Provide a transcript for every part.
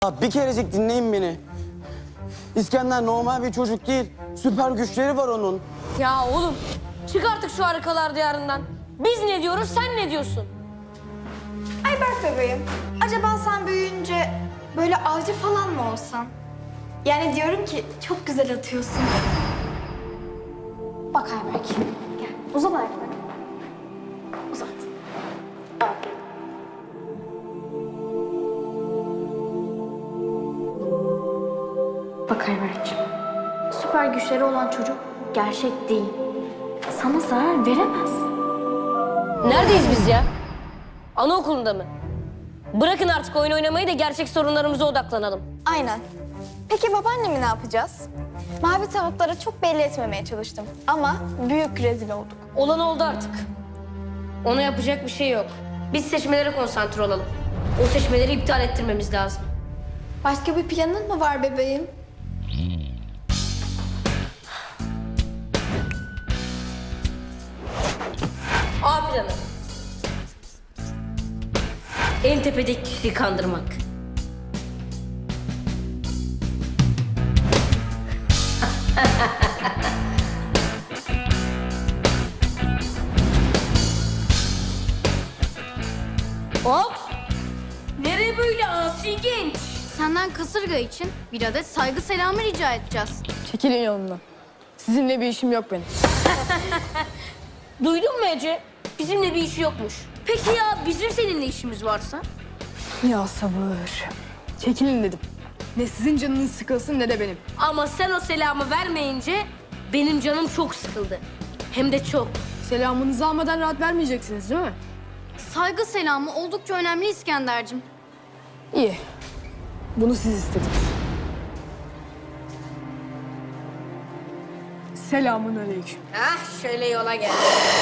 Ya bir kerecik dinleyin beni. İskender normal bir çocuk değil. Süper güçleri var onun. Ya oğlum çık artık şu harikalar diyarından. Biz ne diyoruz, sen ne diyorsun? Ayberk bebeğim, acaba sen büyüyünce böyle avcı falan mı olsan? Yani diyorum ki çok güzel atıyorsun. Bak Ayberk, gel. Uzat ayaklarını. Uzat. Bak Ayberk'ciğim, süper güçleri olan çocuk gerçek değil. Sana zarar veremez. Neredeyiz biz ya? Anaokulunda mı? Bırakın artık oyun oynamayı da gerçek sorunlarımıza odaklanalım. Aynen. Peki babaannemi ne yapacağız? Mavi tavuklara çok belli etmemeye çalıştım. Ama büyük rezil olduk. Olan oldu artık. Ona yapacak bir şey yok. Biz seçmelere konsantre olalım. O seçmeleri iptal ettirmemiz lazım. Başka bir planın mı var bebeğim? A planı. En tepedeki kişiyi kandırmak. Hop! Nereye böyle asi genç? Senden kasırga için bir adet saygı selamı rica edeceğiz. Çekilin yolumdan. Sizinle bir işim yok benim. Duydun mu Ece? Bizimle bir işi yokmuş. Peki ya bizim seninle işimiz varsa? Ya sabır. Çekilin dedim. Ne sizin canınız sıkılsın ne de benim. Ama sen o selamı vermeyince benim canım çok sıkıldı. Hem de çok. Selamınızı almadan rahat vermeyeceksiniz değil mi? Saygı selamı oldukça önemli İskender'cim. İyi. Bunu siz istediniz. Selamun aleyküm. Ah şöyle yola gel.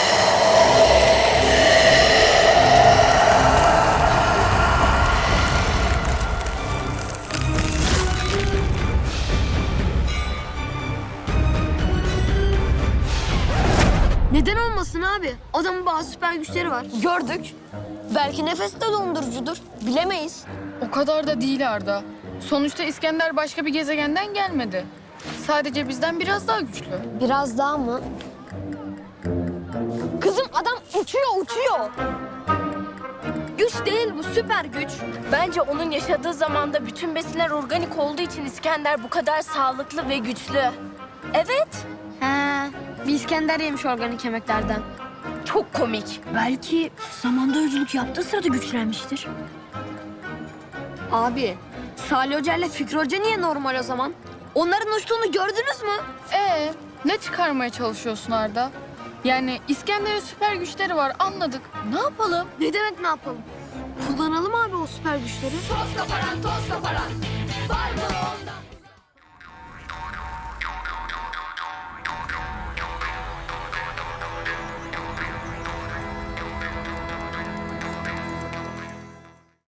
Neden olmasın abi? Adamın bazı süper güçleri var. Gördük. Belki nefes de dondurucudur. Bilemeyiz. O kadar da değil Arda. Sonuçta İskender başka bir gezegenden gelmedi. Sadece bizden biraz daha güçlü. Biraz daha mı? Kızım adam uçuyor. Güç değil bu, süper güç. Bence onun yaşadığı zamanda bütün besinler organik olduğu için İskender bu kadar sağlıklı ve güçlü. Evet, He, bir İskender yemiş organik yemeklerden. çok komik. Belki zamanda yolculuk yaptığı sırada güçlenmiştir. Abi, Salih Hoca ile Fikri Hoca niye normal o zaman? Onların uçtuğunu gördünüz mü? Ne çıkarmaya çalışıyorsun Arda? Yani İskender'in süper güçleri var anladık. Ne yapalım? Ne demek ne yapalım? Kullanalım abi o süper güçleri. Toz kaparan, var mı onda?